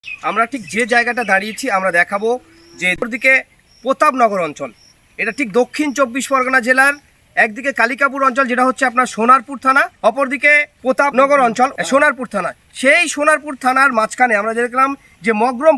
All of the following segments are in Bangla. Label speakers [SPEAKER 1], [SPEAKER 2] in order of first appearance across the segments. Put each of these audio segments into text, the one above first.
[SPEAKER 1] আমরা ঠিক যে জায়গাটা দাঁড়িয়েছি আমরা দেখাবো যে দিকে প্রতাপনগর অঞ্চল, এটা ঠিক দক্ষিণ 24 পরগনা জেলার একদিকে কালিকাপুর অঞ্চল যেটা হচ্ছে আপনার সোনারপুর থানা, অপরদিকে প্রতাপনগর অঞ্চল সোনারপুর থানা। সেই সোনারপুর থানার মাঝখানে আমরা দেখলাম যে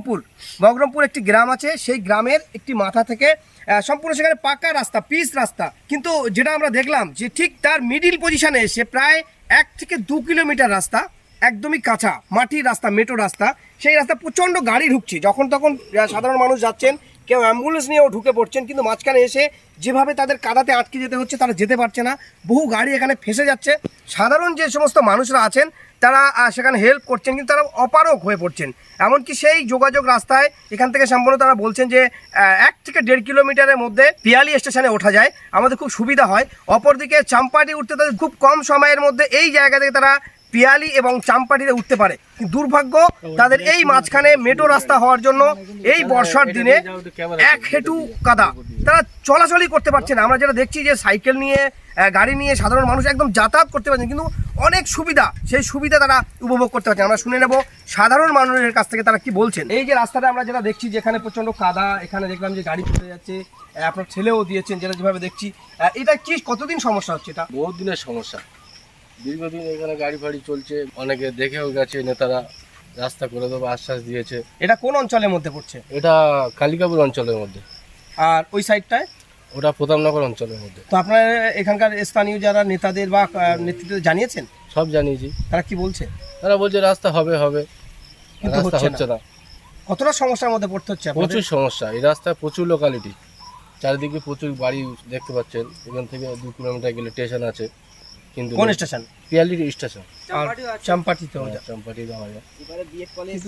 [SPEAKER 1] মগরমপুর একটি গ্রাম আছে, সেই গ্রামের একটি মাথা থেকে সম্পূর্ণ সেখানে পাকা রাস্তা, পিচ রাস্তা, কিন্তু যেটা আমরা দেখলাম যে ঠিক তার মিডিল পজিশনে এসে প্রায় 1 থেকে 2 কিলোমিটার রাস্তা একদমই কাঁচা মাটির রাস্তা, মেটো রাস্তা, সেই রাস্তা প্রচণ্ড গাড়ি ঢুকছে, যখন তখন সাধারণ মানুষ যাচ্ছেন, কেউ অ্যাম্বুলেন্স নিয়েও ঢুকে পড়ছেন, কিন্তু মাঝখানে এসে যেভাবে তাদের কাদাতে আটকে যেতে হচ্ছে তারা যেতে পারছে না, বহু গাড়ি এখানে ফেসে যাচ্ছে। সাধারণ যে সমস্ত মানুষরা আছেন তারা সেখানে হেল্প করছেন, কিন্তু তারা অপারগ হয়ে পড়ছেন। এমনকি সেই যোগাযোগ রাস্তায় এখান থেকে সম্পূর্ণ তারা বলছেন যে 1 থেকে 1.5 কিলোমিটারের মধ্যে পিয়ালি স্টেশনে ওঠা যায়, আমাদের খুব সুবিধা হয়। অপরদিকে চাম্পাটি উঠতে তাদের খুব কম সময়ের মধ্যে এই জায়গা থেকে তারা পিয়ালি এবং চাম্পাটিতে উঠতে পারে। দুর্ভাগ্য তাদের এই মাঝখানে মেটো রাস্তা হওয়ার জন্য এই বর্ষার দিনে 1 হেঁটু কাদা, তারা চলাচলই করতে পারছে না। আমরা যেটা দেখছি যে সাইকেল নিয়ে, গাড়ি নিয়ে সাধারণ মানুষ একদম যাতায়াত করতে পারছেন, কিন্তু অনেক সুবিধা, সেই সুবিধা তারা উপভোগ করতে পারছেন। আমরা শুনে নেব সাধারণ মানুষের কাছ থেকে তারা কি বলছেন। এই যে রাস্তাটা আমরা যেটা দেখছি যেখানে প্রচণ্ড কাদা, এখানে দেখলাম যে গাড়ি চলে যাচ্ছে, আপনার ছেলেও দিয়েছেন যেটা যেভাবে দেখছি, এটা কি কতদিন সমস্যা হচ্ছে? এটা
[SPEAKER 2] বহুত দিনের সমস্যা, দীর্ঘদিন এখানে গাড়ি ফাড়ি চলছে, অনেকে দেখেও গেছে, নেতারা রাস্তা করে দেবো আশ্বাস দিয়েছে।
[SPEAKER 1] এটা কোন অঞ্চলের মধ্যে পড়ছে?
[SPEAKER 2] এটা কালিকাপুর অঞ্চলের মধ্যে।
[SPEAKER 1] আর ওই সাইডটায়?
[SPEAKER 2] ওটা প্রতাপনগর অঞ্চলের মধ্যে।
[SPEAKER 1] তো আপনারা এখানকার স্থানীয় যারা নেতাদের বা নেতৃত্ব জানিয়েছেন?
[SPEAKER 2] সব জানিয়েছি।
[SPEAKER 1] তারা কি বলছে?
[SPEAKER 2] তারা বলছে রাস্তা হবে,
[SPEAKER 1] কিন্তু
[SPEAKER 2] রাস্তা হচ্ছে না।
[SPEAKER 1] কতটা সমস্যার মধ্যে পড়তে হচ্ছে?
[SPEAKER 2] প্রচুর সমস্যা, এই রাস্তায় প্রচুর লোকালিটি, চারিদিকে প্রচুর বাড়ি দেখতে পাচ্ছেন। এখান থেকে 2 কিলোমিটার গেলে স্টেশন আছে, কিন্তু
[SPEAKER 1] কোন স্টেশন?
[SPEAKER 2] পিয়ালি স্টেশন,
[SPEAKER 1] চাম্পাটিতে।
[SPEAKER 2] চাম্পাটি যাওয়া যায়,
[SPEAKER 1] কিন্তু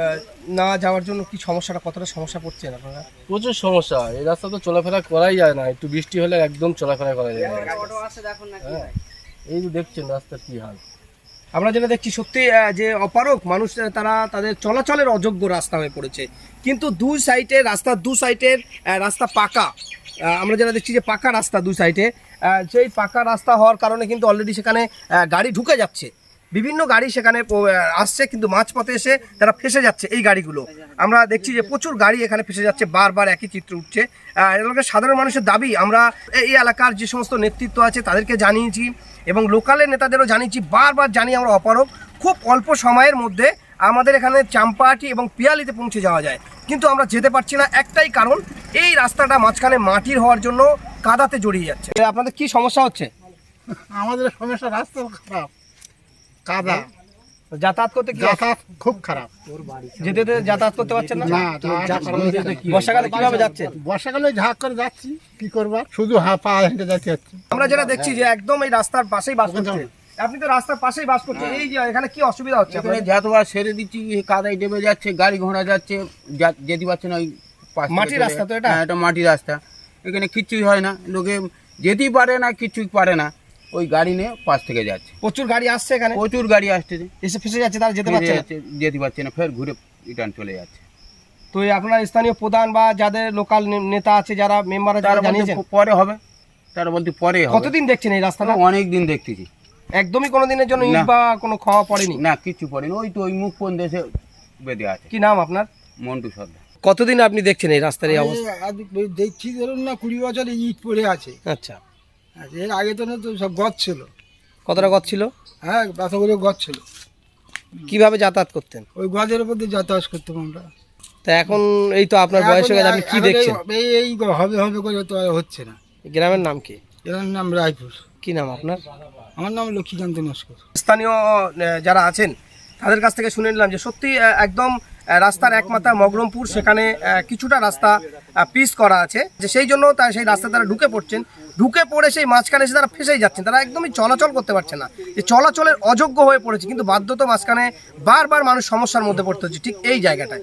[SPEAKER 1] না যাওয়ার জন্য কি সমস্যাটা, কতটা সমস্যা পড়ছেন আপনারা?
[SPEAKER 2] প্রচুর সমস্যা। এই রাস্তা তো চলাফেরা করাই যায় না, একটু বৃষ্টি হলে একদম চলাফেরা করা যায় না। এই যে দেখছেন রাস্তার কি হাল।
[SPEAKER 1] আমরা যেটা দেখছি সত্যি যে অপারক মানুষ, তারা তাদের চলাচলের অযোগ্য রাস্তা হয়ে পড়েছে। কিন্তু দুই সাইডের রাস্তা পাকা, আমরা যেটা দেখছি যে পাকা রাস্তা দুই সাইডে, সেই পাকা রাস্তা হওয়ার কারণে কিন্তু অলরেডি সেখানে গাড়ি ঢুকে যাচ্ছে, বিভিন্ন গাড়ি সেখানে আসছে, কিন্তু মাঝপথে এসে তারা ফেসে যাচ্ছে এই গাড়িগুলো। আমরা দেখছি যে প্রচুর গাড়ি এখানে ফেসে যাচ্ছে, বারবার একই চিত্র উঠছে। এলাকার সাধারণ মানুষের দাবি, আমরা এই এলাকার যে সমস্ত নেতৃত্ব আছে তাদেরকে জানিয়েছি এবং লোকালের নেতাদেরও জানিয়েছি, বারবার জানিয়ে আমরা অপারগ, খুব অল্প সময়ের মধ্যে আমাদের এখানে চাম্পাহাটি এবং পিয়ালিতে পৌঁছে যাওয়া যায়, কিন্তু আমরা যেতে পারছি না। একটাই কারণ, এই রাস্তাটা মাঝখানে মাটির হওয়ার জন্য কাদাতে জড়িয়ে যাচ্ছে। আপনাদের কি সমস্যা হচ্ছে?
[SPEAKER 3] আমাদের সমস্যা রাস্তা খারাপ, কাদা,
[SPEAKER 1] যাতায়াত করতে কি
[SPEAKER 3] যাতায়াত খুব খারাপ।
[SPEAKER 1] যেতে যাতায়াত করতে পারছেন না? বর্ষাকালে কিভাবে যাচ্ছেন?
[SPEAKER 3] বর্ষাকালে ঝাঁক করে যাচ্ছি, কি করবার, শুধু পা হেঁটে যাচ্ছে।
[SPEAKER 1] আমরা যেটা দেখছি যে একদম এই রাস্তার পাশেই বাস করছেন, আপনি তো রাস্তার পাশেই বাস করছেন, এই যে এখানে কি অসুবিধা হচ্ছে?
[SPEAKER 4] যতবার সেরে দিচ্ছি কাদায় ডেবে যাচ্ছে, গাড়ি ঘোড়া যাচ্ছে, যেতে পারছে না। ওই
[SPEAKER 1] মাটির রাস্তা তো এটা?
[SPEAKER 4] হ্যাঁ, এটা মাটির রাস্তা, এখানে কিচ্ছুই হয় না, লোকে যেতেই পারে না, কিচ্ছুই পারে না, ওই গাড়ি নিয়ে পাশ থেকে যাচ্ছে।
[SPEAKER 1] প্রচুর গাড়ি আসছে এখানে,
[SPEAKER 4] প্রচুর গাড়ি আসছে,
[SPEAKER 1] এসে ফেসে যাচ্ছে, তারা যেতে পারছে না,
[SPEAKER 4] যেতে পারছে না, ফের ঘুরে রিটার্ন চলে যাচ্ছে।
[SPEAKER 1] তো আপনার স্থানীয় প্রধান বা যাদের লোকাল নেতা আছে, যারা মেম্বার আছে, তারা জানিয়েছেন?
[SPEAKER 4] পরে হবে, তারা বলতে পরে হবে।
[SPEAKER 1] কতদিন দেখছেন এই রাস্তাটা?
[SPEAKER 4] অনেক দিন দেখতেছি,
[SPEAKER 1] একদমই কোনো দিনের জন্য ইট বা কোনো খাওয়া পড়েনি?
[SPEAKER 4] না, কিচ্ছু পড়েনি, ওই তো ওই মুখ কোন দেশে বেঁধে আছে।
[SPEAKER 1] কি নাম আপনার?
[SPEAKER 4] মন্টু সর্দার।
[SPEAKER 1] কতদিন আপনি দেখছেন এই রাস্তার এই অবস্থা?
[SPEAKER 3] দেখছি ধরুন না 20 বছর ইট পড়ে আছে।
[SPEAKER 1] আচ্ছা,
[SPEAKER 3] এর আগে তো সব গছ ছিল।
[SPEAKER 1] কতটা গছ ছিল?
[SPEAKER 3] হ্যাঁ, বাতাগুলো গছ ছিল।
[SPEAKER 1] কিভাবে যাতায়াত করতেন?
[SPEAKER 3] ওই গছের উপর দিয়ে যাতায়াত করতাম আমরা।
[SPEAKER 1] তা এখন এই তো আপনার বয়স হয়ে গেছে, আপনি কি দেখছেন?
[SPEAKER 3] এই হবে হবে করে তো আর হচ্ছে না।
[SPEAKER 1] গ্রামের নাম কি?
[SPEAKER 3] এর নাম রায়পুর।
[SPEAKER 1] কি নাম আপনার?
[SPEAKER 3] আমার নাম লক্ষ্মীকান্ত নস্কর।
[SPEAKER 1] স্থানীয় যারা আছেন তাদের কাছ থেকে শুনে নিলাম যে সত্যি একদম রাস্তার একমাত্রা মগরমপুর, সেখানে কিছুটা রাস্তা পিচ করা আছে, যে সেই জন্য সেই রাস্তা তারা ঢুকে পড়ছেন, ঢুকে পড়ে সেই মাঝখানে এসে তারা ফেসেই যাচ্ছেন, তারা একদমই চলাচল করতে পারছে না, যে চলাচলের অযোগ্য হয়ে পড়েছে, কিন্তু বাধ্যত মাঝখানে বারবার মানুষ সমস্যার মধ্যে পড়তে হচ্ছে ঠিক এই জায়গাটায়।